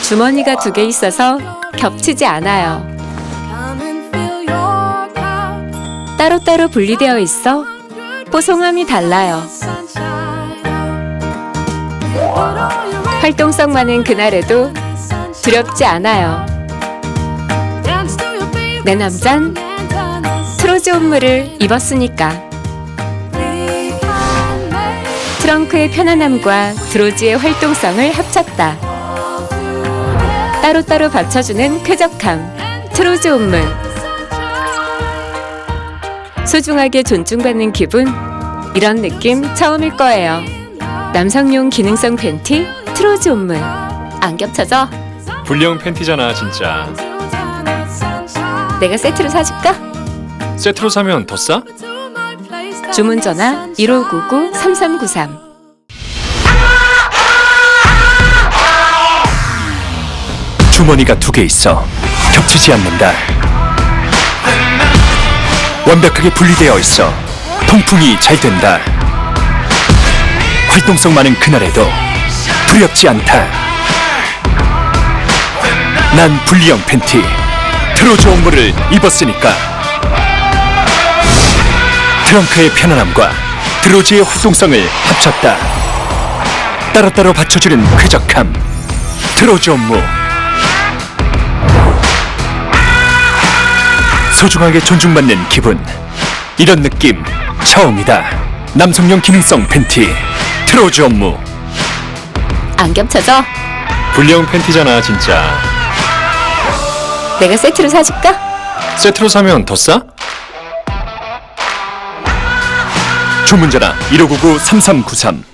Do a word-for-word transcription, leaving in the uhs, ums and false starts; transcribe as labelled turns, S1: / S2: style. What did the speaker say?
S1: 주머니가 두 개 있어서 겹치지 않아요. 따로따로 분리되어 있어 뽀송함이 달라요. 활동성 많은 그날에도 두렵지 않아요. 내 남잔 트로즈 옷물을 입었으니까. 트렁크의 편안함과 드로즈의 활동성을 합쳤다. 따로따로 받쳐주는 쾌적함, 트로즈 옷물. 소중하게 존중받는 기분, 이런 느낌 처음일 거예요. 남성용 기능성 팬티, 트로즈 옷물. 안 겹쳐져?
S2: 불량 팬티잖아 진짜.
S1: 내가 세트로 사줄까?
S2: 세트로 사면 더 싸?
S1: 주문 전화 일오구구 삼삼구삼.
S3: 주머니가 두 개 있어 겹치지 않는다. 완벽하게 분리되어 있어 통풍이 잘 된다. 활동성 많은 그날에도 두렵지 않다. 난 분리형 팬티 트로즈 옷물을 입었으니까. 트렁크의 편안함과 드로즈의 활동성을 합쳤다. 따로따로 받쳐주는 쾌적함, 트로즈 옷물. 소중하게 존중받는 기분, 이런 느낌 처음이다. 남성용 기능성 팬티, 트로즈 옷물.
S1: 안 겹쳐져?
S2: 불량 팬티잖아 진짜.
S1: 내가 세트로 사줄까?
S2: 세트로 사면 더 싸?
S3: 주문 전화 일오구구 삼삼구삼.